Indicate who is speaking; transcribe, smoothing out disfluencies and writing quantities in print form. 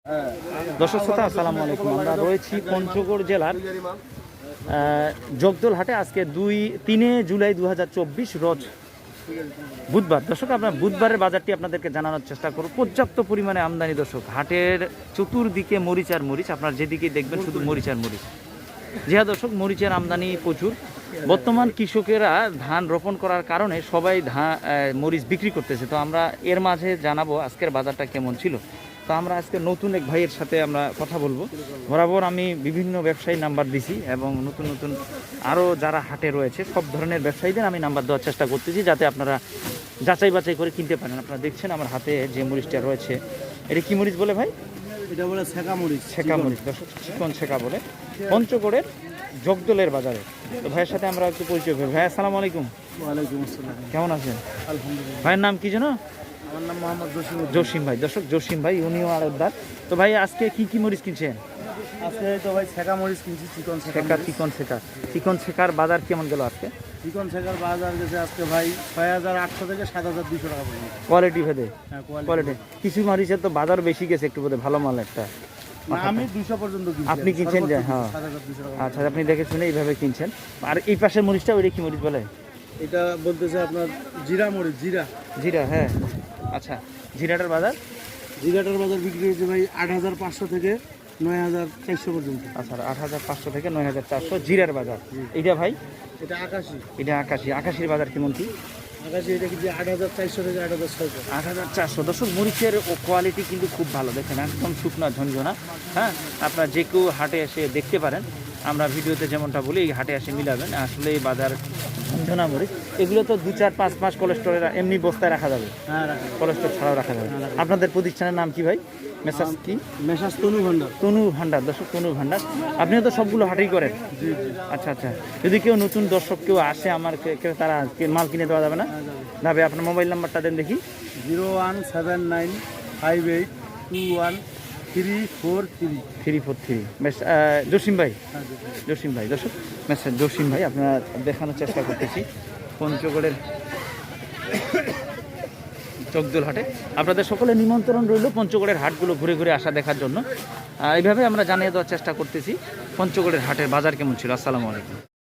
Speaker 1: দর্শক শ্রোতা আসসালামু আলাইকুম। আমরা রয়েছি পঞ্চগড় জেলার জগদল হাটে। আজকে 3 জুলাই 2024 রোজ বুধবার। দর্শক আমরা বুধবারের বাজারটি আপনাদেরকে জানানোর চেষ্টা করব। পর্যাপ্ত পরিমাণে আমদানি দর্শক। হাটের চতুর্দিকে মরিচ আর মরিচ, আপনার যেদিকে দেখবেন শুধু মরিচ আর মরিচ। হ্যাঁ দর্শক, মরিচের আমদানি প্রচুর। বর্তমান কৃষকেরা ধান রোপণ করার কারণে সবাই মরিচ বিক্রি করতেছে। তো আমরা এর মাঝে জানাবো আজকের বাজারটা কেমন ছিল। তো আমরা আজকে নতুন এক ভাইয়ের সাথে আমরা কথা বলবো। বরাবর আমি বিভিন্ন ব্যবসায়ী নাম্বার দিছি এবং নতুন নতুন আরও যারা হাটে রয়েছে সব ধরনের ব্যবসায়ীদের আমি নাম্বার দেওয়ার চেষ্টা করতেছি, যাতে আপনারা যাচাই বাছাই করে কিনতে পারেন। আপনারা দেখছেন আমার হাতে যে মরিচটা রয়েছে, এটা কি মরিচ বলে ভাই?
Speaker 2: এটা বলে ছেঁকা মরিচ।
Speaker 1: ছেঁকা মরিচ দর্শক, চিকন ছেঁকা বলে, পঞ্চগড়ের জগদলের বাজারে। তো ভাইয়ের সাথে আমরা একটু পরিচয় করি। ভাই আসসালামু আলাইকুম।
Speaker 2: ওয়ালাইকুম আসসালাম।
Speaker 1: কেমন আছেন?
Speaker 2: আলহামদুলিল্লাহ।
Speaker 1: ভাইয়ের নাম কি যেন?
Speaker 2: আমার নাম মোহাম্মদ
Speaker 1: জসিম ভাই। দর্শক জসিম ভাই, উনিও আড়তদার। তো ভাই আজকে কি কি মরিচ কিনছেন?
Speaker 2: আজকে তো ভাই ছেঁকা মরিচ কিনছি, চিকন ছেঁকা।
Speaker 1: চিকন ছেঁকার বাজার কেমন গেল আজকে?
Speaker 2: চিকন ছেঁকার বাজার গেছে আজকে ভাই ৬,৮০০ থেকে ৭,২০০ টাকা পর্যন্ত।
Speaker 1: কোয়ালিটি ভেদে?
Speaker 2: হ্যাঁ,
Speaker 1: কোয়ালিটি। কিছু মরিচের তো বাজার বেশি গেছে একটু, বোধহয় ভালো মাল একটা।
Speaker 2: আমি ২০০ পর্যন্ত কিনছি।
Speaker 1: আপনি কিনছেন যে? হ্যাঁ,
Speaker 2: ৭,২০০ টাকা।
Speaker 1: আচ্ছা, আপনি দেখে শুনে এইভাবে কিনছেন। আর এই পাশের মরিচটা ওইটা কি মরিচ বলে?
Speaker 2: এটা বলতেছে আপনার জিরা মরিচ।
Speaker 1: জিরা, হ্যাঁ। আচ্ছা, জিরাটার বাজার?
Speaker 2: জিরাটার বাজার বিক্রি হয়েছে ভাই ৮৫০০ থেকে ৯,৪০০ পর্যন্ত।
Speaker 1: আচ্ছা, ৮৫০০ থেকে ৯,৪০০ জিরার বাজার। এইটা ভাই?
Speaker 2: এটা আকাশি।
Speaker 1: এটা আকাশি। আকাশির বাজার কেমন কি?
Speaker 2: আকাশি এটা কিন্তু ৮,৪০০ থেকে ৮,৬০০।
Speaker 1: ৮,৪০০। দর্শক মরিচের কোয়ালিটি কিন্তু খুব ভালো, দেখেন একদম শুকনা ঝনঝনা। হ্যাঁ, আপনারা যে কেউ হাটে এসে দেখতে পারেন। আমরা ভিডিওতে যেমনটা বলি, এই হাটে এসে মিলাবেন। আসলে এই বাজার ঝনঝনা মরিচ। এগুলো তো ২, ৪, ৫ মাস কোলেস্টোরের এমনি বস্তায় রাখা যাবে।
Speaker 2: হ্যাঁ,
Speaker 1: কোলেস্টোর ছাড়াও রাখা যাবে। আপনাদের প্রতিষ্ঠানের নাম কি ভাই? মেসাজ কি?
Speaker 2: মেসাজ তনু ভান্ডার।
Speaker 1: তনু ভান্ডার। দর্শক তনু ভান্ডার। আপনিও তো সবগুলো হাটেই করেন?
Speaker 2: জি।
Speaker 1: আচ্ছা আচ্ছা। যদি কেউ নতুন দর্শক কেউ আসে আমার, তারা মাল কিনে দেওয়া যাবে না? যাবে। আপনার মোবাইল নাম্বারটা দেন দেখি।
Speaker 2: 0179581343343।
Speaker 1: বেশ, জসিম ভাই। জসিম ভাই। দর্শক মেসাজ জসিম ভাই, আপনারা দেখানোর চেষ্টা করতেছি পঞ্চগড়ের জগদল হাটে। আপনাদের সকলে নিমন্ত্রণ রইল পঞ্চগড়ের হাটগুলো ঘুরে ঘুরে আসা দেখার জন্য। এইভাবে আমরা জানিয়ে দেওয়ার চেষ্টা করতেছি পঞ্চগড়ের হাটের বাজার কেমন ছিল। আসসালামু আলাইকুম।